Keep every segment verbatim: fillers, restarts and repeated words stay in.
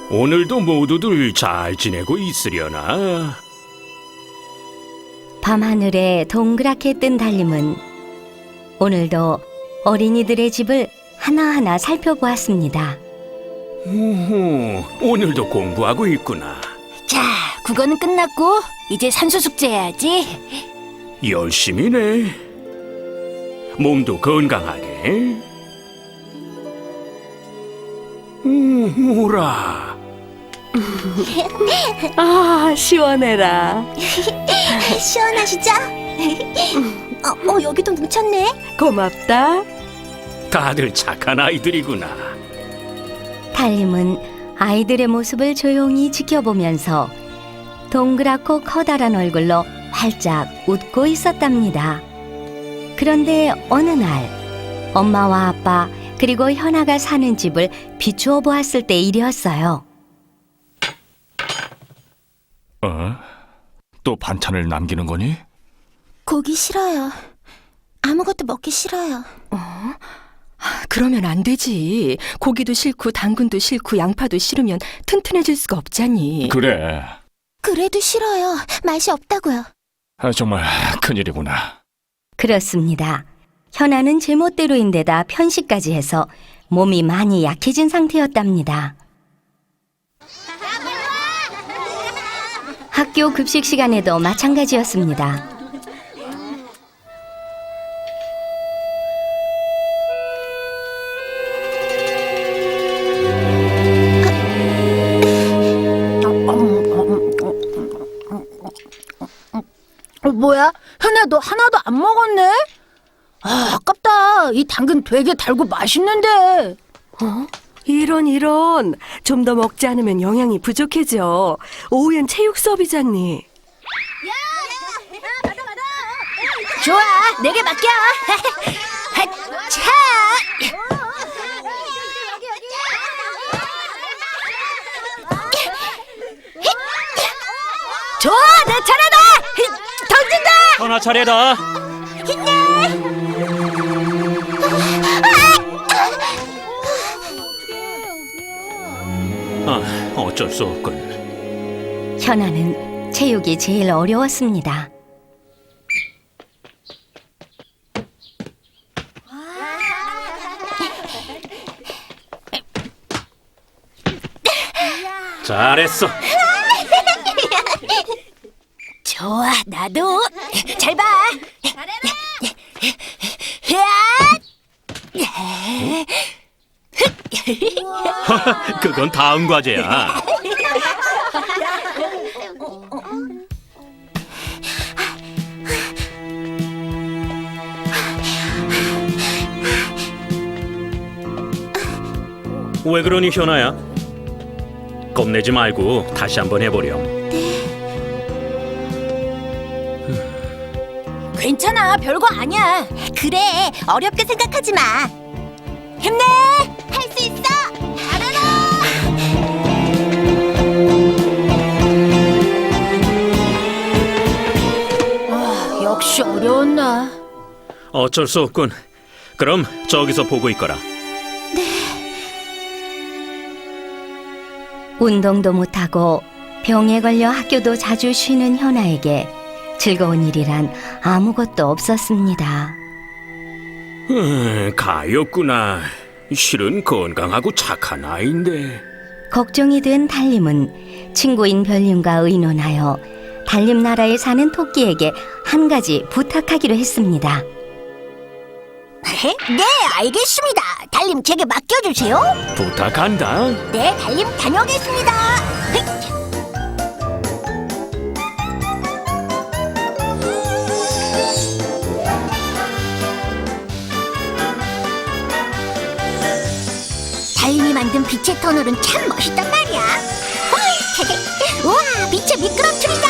오늘도 모두들 잘 지내고 있으려나? 밤하늘에 동그랗게 뜬 달림은 오늘도 어린이들의 집을 하나하나 살펴보았습니다. 오호, 오늘도 공부하고 있구나. 자, 국어는 끝났고 이제 산수 숙제 해야지. 열심히네. 몸도 건강하게. 음, 오라. 아, 시원해라. 시원하시죠? 어, 어, 여기도 뭉쳤네. 고맙다. 다들 착한 아이들이구나. 달림은 아이들의 모습을 조용히 지켜보면서 동그랗고 커다란 얼굴로 활짝 웃고 있었답니다. 그런데 어느 날 엄마와 아빠 그리고 현아가 사는 집을 비추어 보았을 때 일이었어요. 어? 또 반찬을 남기는 거니? 고기 싫어요. 아무것도 먹기 싫어요. 그러면 안 되지. 고기도 싫고 당근도 싫고 양파도 싫으면 튼튼해질 수가 없잖니. 그래. 그래도 싫어요. 맛이 없다고요. 아, 정말 큰일이구나. 그렇습니다. 현아는 제멋대로인데다 편식까지 해서 몸이 많이 약해진 상태였답니다. 학교 급식 시간에도 마찬가지였습니다. 어, 뭐야? 현아, 너 하나도 안 먹었네? 아, 아깝다. 이 당근 되게 달고 맛있는데. 어? 이런 이런. 좀 더 먹지 않으면 영양이 부족해져. 오후엔 체육 수업이잖니. 좋아, 내게 맡겨. 차. 좋아, 내 차례다. 던진다. 현아 차례다. 아, 어쩔 수 없군. 현아는 체육이 제일 어려웠습니다. 잘했어. 좋아, 나도. 잘 봐. 그건 다음 과제야. 왜 그러니, 현아야? 겁내지 말고 다시 한번 해보렴. 괜찮아, 별거 아니야. 그래, 어렵게 생각하지 마. 힘내! 할 수 있어! 잘하라! 아, 역시 어려웠나? 어쩔 수 없군. 그럼 저기서 보고 있거라. 운동도 못하고 병에 걸려 학교도 자주 쉬는 현아에게 즐거운 일이란 아무것도 없었습니다. 음, 가였구나. 실은 건강하고 착한 아이인데. 걱정이 된 달림은 친구인 별님과 의논하여 달림나라에 사는 토끼에게 한 가지 부탁하기로 했습니다. 네, 알겠습니다. 달님, 제게 맡겨주세요. 부탁한다. 네, 달님 다녀오겠습니다. 달님이 만든 빛의 터널은 참 멋있단 말이야. 호이, 우와, 빛의 미끄럼틀이다.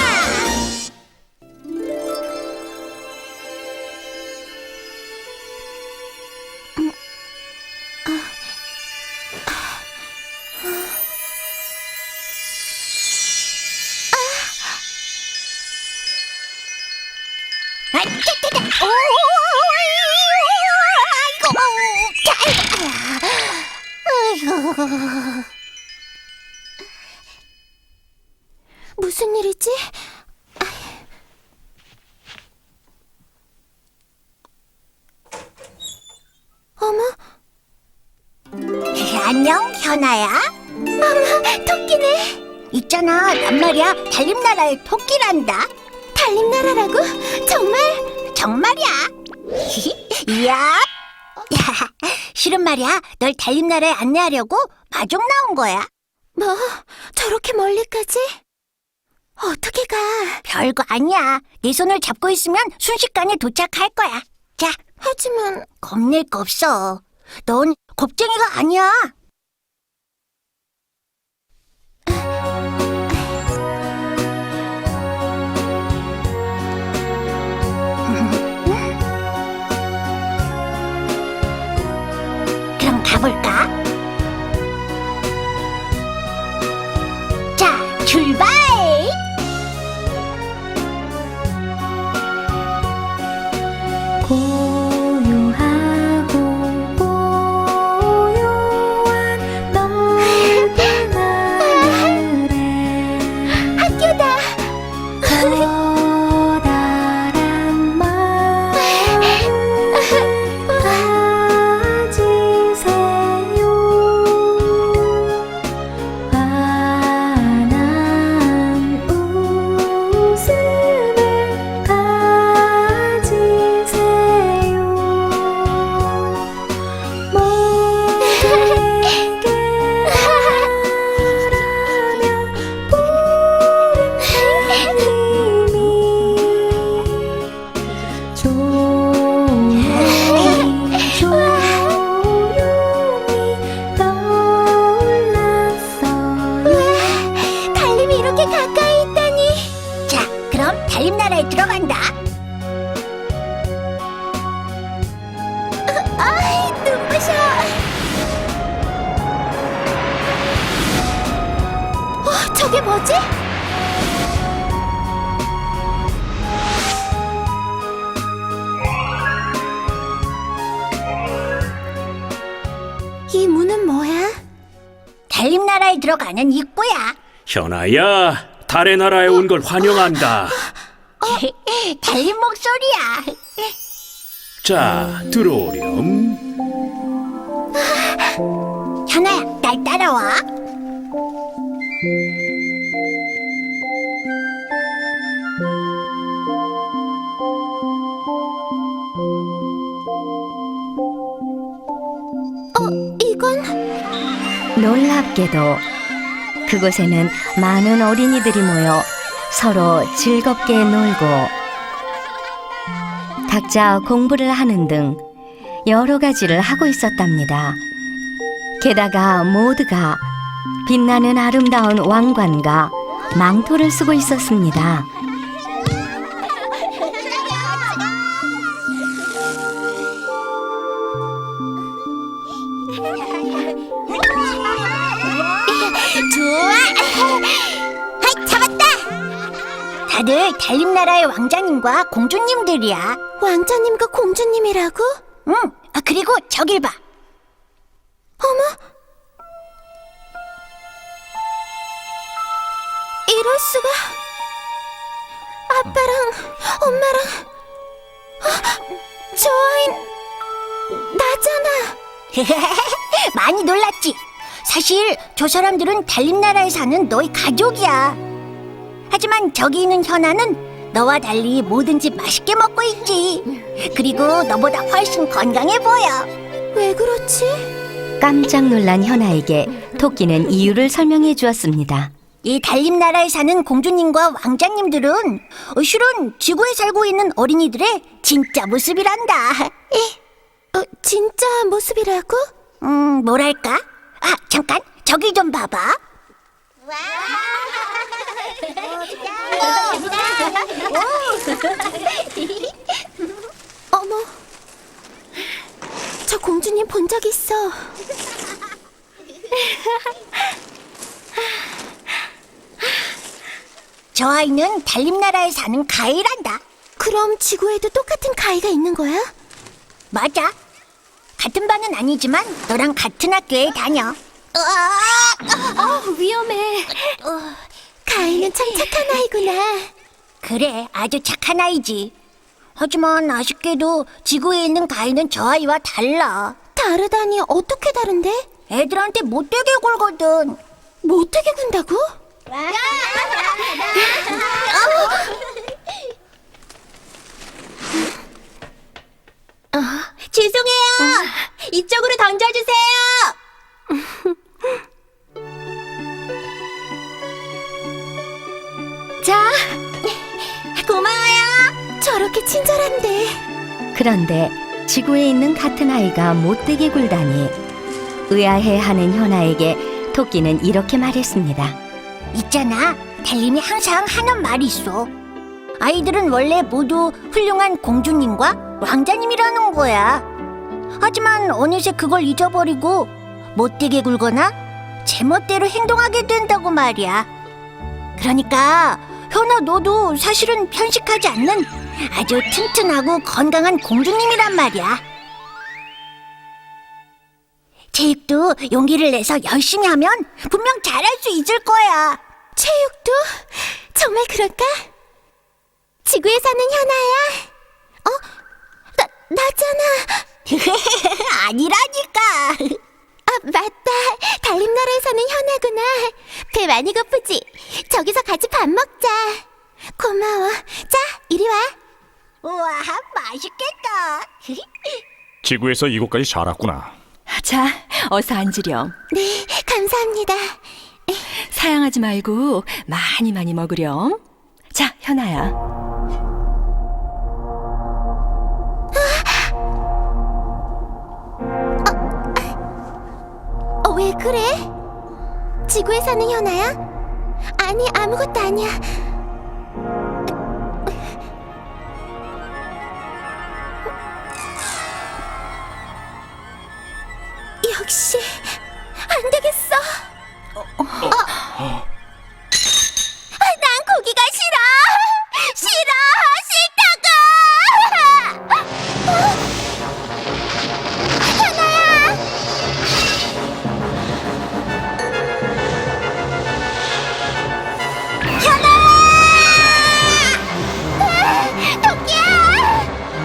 아, 짜짜짜. 오, 아이고, 아이고. 무슨 일이지? 어머. 안녕, 현아야. 어머, 토끼네. 있잖아, 난 말이야 달림나라의 토끼란다. 달림나라라고? 정말? 정말이야. 이야. 실은 말이야, 널 달림나라에 안내하려고 마중 나온 거야. 뭐? 저렇게 멀리까지? 어떻게 가? 별거 아니야. 네 손을 잡고 있으면 순식간에 도착할 거야. 자. 하지만 겁낼 거 없어. 넌 겁쟁이가 아니야. 그럼 가볼까? 자, 출발! 고요하고 고요한 넓은 하늘에 학교다! 커다란 마음을 가지세요. 환한 웃음을 가지세요. 모두에게 바라며 부르는 님이 조용히 조용히 떠올랐어요. 달림이 이렇게 가까이 있다니. 자, 그럼 달림나라에 들어간다. 아이, 눈부셔. 어, 저게 뭐지? 이 문은 뭐야? 달림나라에 들어가는 입구야. 현아야, 달의 나라에 온 걸 환영한다. 달림 목소리야. 자, 들어오렴. 현아야, 날 따라와. 어, 이건? 놀랍게도 그곳에는 많은 어린이들이 모여 서로 즐겁게 놀고 각자 공부를 하는 등 여러 가지를 하고 있었답니다. 게다가 모두가 빛나는 아름다운 왕관과 망토를 쓰고 있었습니다. 좋아! 하이, 잡았다! 다들 달림나라의 왕자님과 공주님들이야. 왕자님과 공주님이라고? 응, 아, 그리고 저길 봐. 어머! 이럴 수가. 아빠랑 엄마랑 아, 저 아인 나잖아. 많이 놀랐지? 사실 저 사람들은 달림나라에 사는 너희 가족이야. 하지만 저기 있는 현아는 너와 달리 뭐든지 맛있게 먹고 있지. 그리고 너보다 훨씬 건강해 보여. 왜 그렇지? 깜짝 놀란 현아에게 토끼는 이유를 설명해 주었습니다. 이 달림나라에 사는 공주님과 왕자님들은 어, 실은 지구에 살고 있는 어린이들의 진짜 모습이란다. 어, 진짜 모습이라고? 음, 뭐랄까? 아, 잠깐, 저기 좀 봐봐. 어머, 저 공주님 본 적 있어. 저 아이는 달림나라에 사는 가이란다. 그럼 지구에도 똑같은 가이가 있는 거야? 맞아. 같은 반은 아니지만 너랑 같은 학교에 다녀. 어, 위험해. 가인은 참 착한 아이구나. 그래, 아주 착한 아이지. 하지만 아쉽게도 지구에 있는 가인은 저 아이와 달라. 다르다니 어떻게 다른데? 애들한테 못되게 굴거든. 못되게 군다고? 어, 죄송해요. 이쪽으로 던져주세요. 자, 고마워요. 저렇게 친절한데. 그런데 지구에 있는 같은 아이가 못되게 굴다니 의아해하는 현아에게 토끼는 이렇게 말했습니다. 있잖아, 달님이 항상 하는 말이 있어. 아이들은 원래 모두 훌륭한 공주님과 왕자님이라는 거야. 하지만 어느새 그걸 잊어버리고 못되게 굴거나 제멋대로 행동하게 된다고 말이야. 그러니까 현아, 너도 사실은 편식하지 않는 아주 튼튼하고 건강한 공주님이란 말이야. 체육도 용기를 내서 열심히 하면 분명 잘할 수 있을 거야. 체육도? 정말 그럴까? 지구에 사는 현아야. 어? 나, 나잖아. 아니라니까. 아, 맞다. 달림나라에 사는 현아구나. 배 많이 고프지? 저기서 같이 밥 먹자. 고마워. 자, 이리 와. 우와, 맛있겠다. 지구에서 이곳까지 잘 왔구나. 자, 어서 앉으렴. 네, 감사합니다. 사양하지 말고 많이 많이 먹으렴. 자, 현아야. 어, 왜 그래? 지구에 사는 현아야? 아니, 아무것도 아니야. 역시 안 되겠어. 어, 아, 난 고기가 싫어. 싫어, 싫다고. 현아야. 현아야. 토끼야.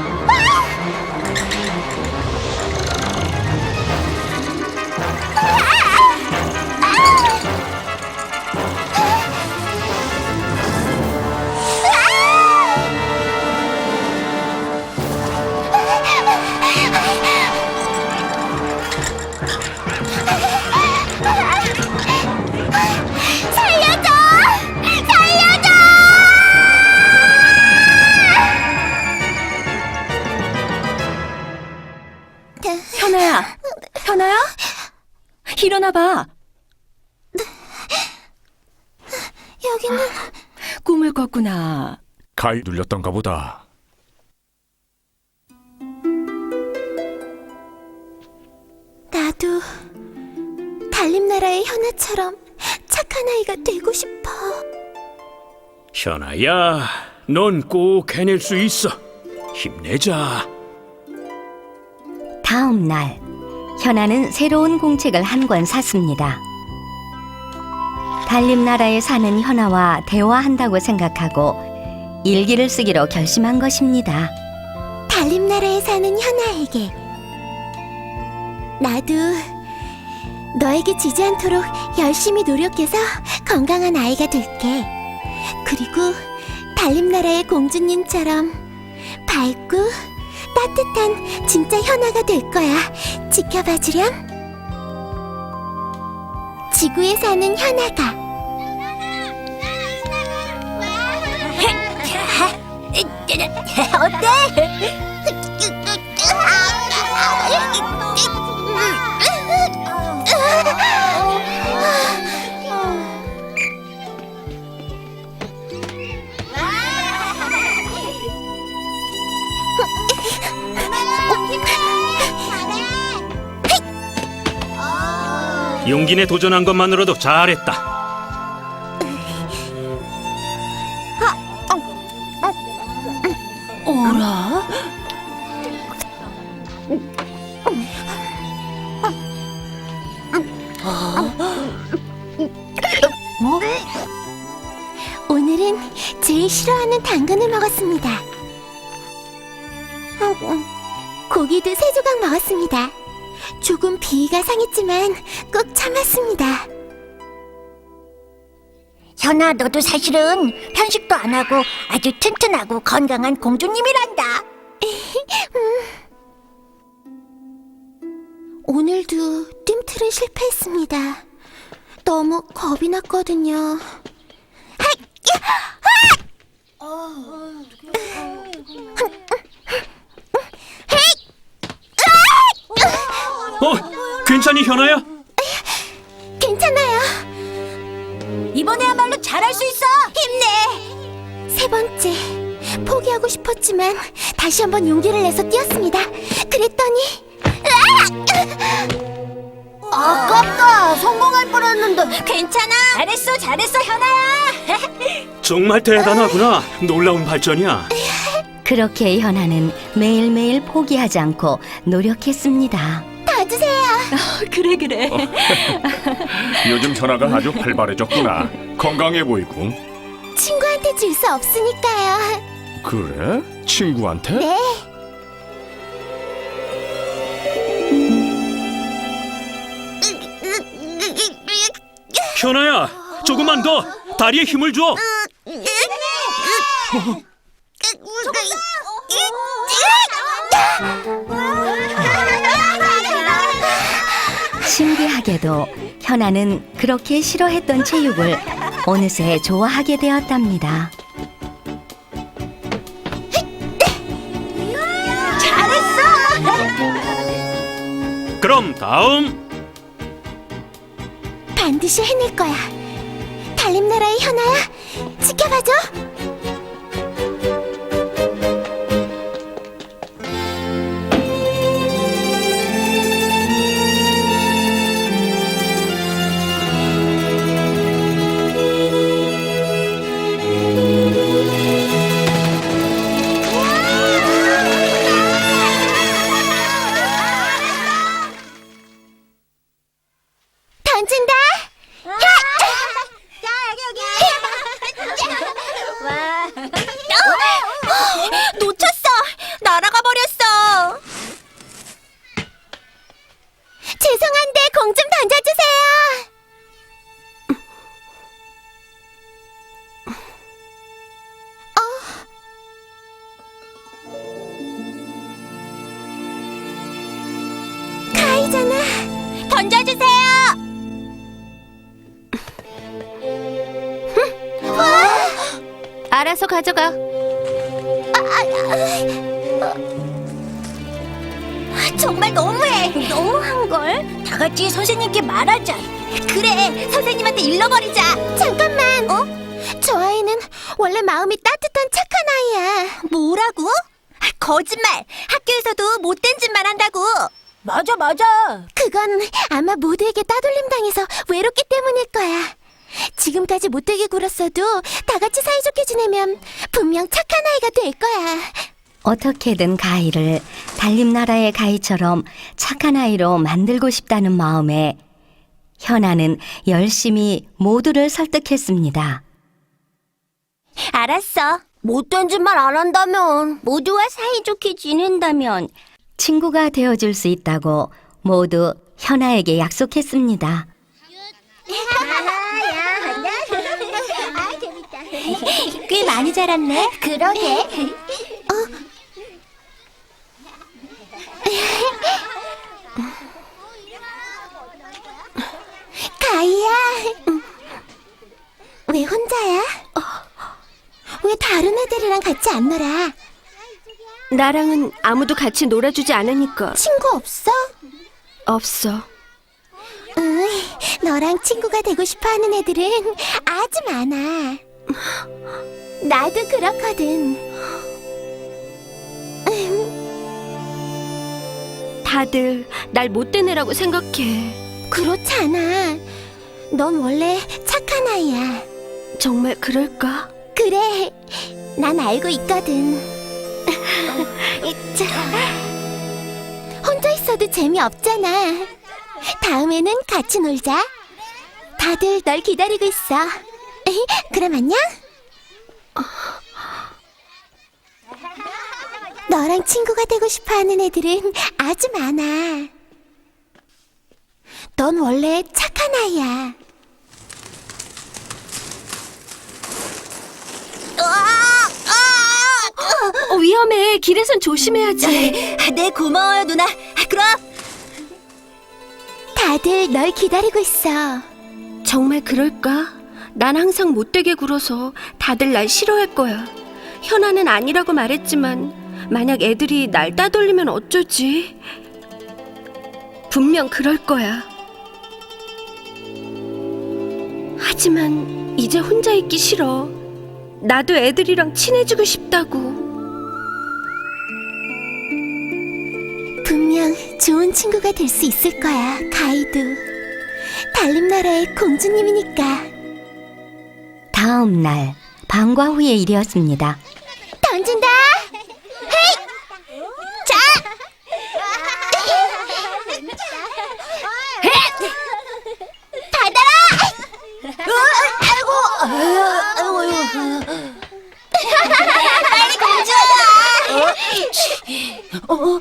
살려줘! 살려줘! 현아야. 현아야? 일어나봐. 여기는 꿈을 꿨구나. 가위 눌렸던가 보다. 나도 달림나라의 현아처럼 착한 아이가 되고 싶어. 현아야, 넌 꼭 해낼 수 있어. 힘내자. 다음 날 현아는 새로운 공책을 한 권 샀습니다. 달림나라에 사는 현아와 대화한다고 생각하고 일기를 쓰기로 결심한 것입니다. 달림나라에 사는 현아에게, 나도 너에게 지지 않도록 열심히 노력해서 건강한 아이가 될게. 그리고 달림나라의 공주님처럼 밝고 따뜻한 진짜 현아가 될 거야. 지켜봐 주렴. 지구에 사는 현아가. 용기 내 도전한 것만으로도 잘했다. 어라? 제일 싫어하는 당근을 먹었습니다. 음, 고기도 세 조각 먹었습니다. 조금 비위가 상했지만 꼭 참았습니다. 현아, 너도 사실은 편식도 안 하고 아주 튼튼하고 건강한 공주님이란다. 오늘도 뜀틀은 실패했습니다. 너무 겁이 났거든요. 어, 괜찮니 현아야? 괜찮아요. 이번에야말로 잘할 수 있어. 힘내. 세 번째, 포기하고 싶었지만 다시 한번 용기를 내서 뛰었습니다. 그랬더니 아깝다. 성공할 뻔했는데. 괜찮아. 잘했어, 잘했어, 현아야. 정말 대단하구나. 놀라운 발전이야. 그렇게 현아는 매일매일 포기하지 않고 노력했습니다. 다 주세요. 그래 그래. 요즘 현아가 아주 활발해졌구나. 건강해 보이고. 친구한테 줄 수 없으니까요. 그래? 친구한테? 네. 현아야, 조금만 더. 다리에 힘을 줘. 신기하게도 현아는 그렇게 싫어했던 체육을 어느새 좋아하게 되었답니다. 그럼 다음. 반드시 해낼 거야. 달림나라의 현아야, 지켜봐줘. 던진다. 자, 여기 여기. 놓쳤어. 날아가 버렸어. 죄송한데 공 좀 던져주세요. 어. 가이잖아. 던져주세요. 알아서 가져가. 정말 너무해. 너무한걸? 다 같이 선생님께 말하자. 그래, 선생님한테 일러버리자. 잠깐만. 어? 저 아이는 원래 마음이 따뜻한 착한 아이야. 뭐라고? 거짓말. 학교에서도 못된 짓만 한다고. 맞아, 맞아. 그건 아마 모두에게 따돌림 당해서 외롭기 때문일 거야. 지금까지 못되게 굴었어도 다 같이 사이좋게 지내면 분명 착한 아이가 될 거야. 어떻게든 가희를 달림나라의 가희처럼 착한 아이로 만들고 싶다는 마음에 현아는 열심히 모두를 설득했습니다. 알았어. 못된 짓만 안 한다면, 모두와 사이좋게 지낸다면. 친구가 되어줄 수 있다고 모두 현아에게 약속했습니다. 꽤 많이 자랐네. 그러게. 어? 가희야. 왜 혼자야? 왜 다른 애들이랑 같이 안 놀아? 나랑은 아무도 같이 놀아주지 않으니까. 친구 없어? 없어. 응, 너랑 친구가 되고 싶어하는 애들은 아주 많아. 나도 그렇거든. 다들 날 못된 애라고 생각해. 그렇지 않아. 넌 원래 착한 아이야. 정말 그럴까? 그래, 난 알고 있거든. 자, 혼자 있어도 재미없잖아. 다음에는 같이 놀자. 다들 널 기다리고 있어. 그럼 안녕. 너랑 친구가 되고 싶어하는 애들은 아주 많아. 넌 원래 착한 아이야. 어, 위험해. 길에선 조심해야지. 네, 고마워요, 누나. 그럼 다들 널 기다리고 있어. 정말 그럴까? 난 항상 못되게 굴어서 다들 날 싫어할 거야. 현아는 아니라고 말했지만 만약 애들이 날 따돌리면 어쩌지? 분명 그럴 거야. 하지만 이제 혼자 있기 싫어. 나도 애들이랑 친해지고 싶다고. 분명 좋은 친구가 될 수 있을 거야, 가이도. 달림나라의 공주님이니까. 다음 날 방과 후의 일이었습니다. 던진다. 헤이! 자! 받아라! 아이고! 아이고, 아이고. 빨리 공주야! 어?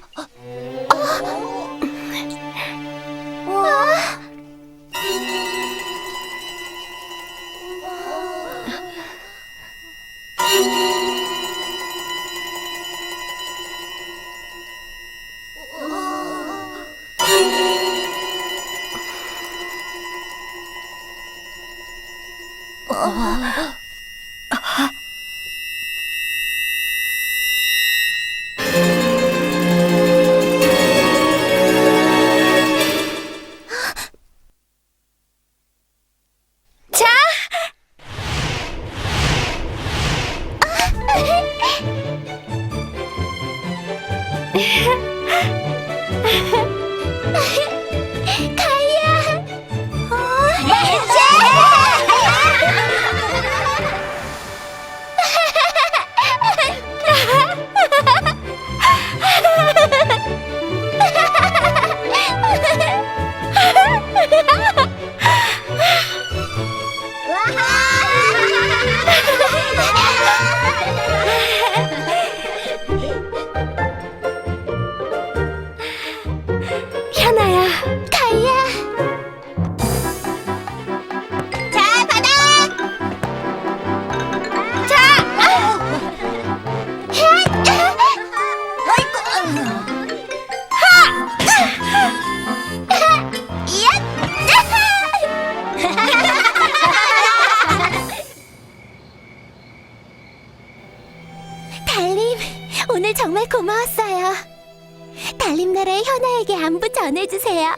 현아야. 가이야. 자, 받아. 자. 헷! 아이고. 하! 이야! 달림, 오늘 정말 고마웠어요. 달림나라의 현아에게 안부 전해주세요.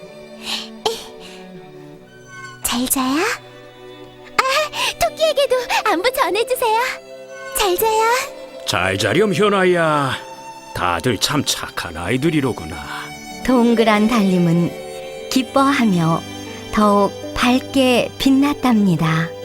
잘 자요? 아, 토끼에게도 안부 전해주세요. 잘 자요. 잘 자렴 현아야. 다들 참 착한 아이들이로구나. 동그란 달림은 기뻐하며 더욱 밝게 빛났답니다.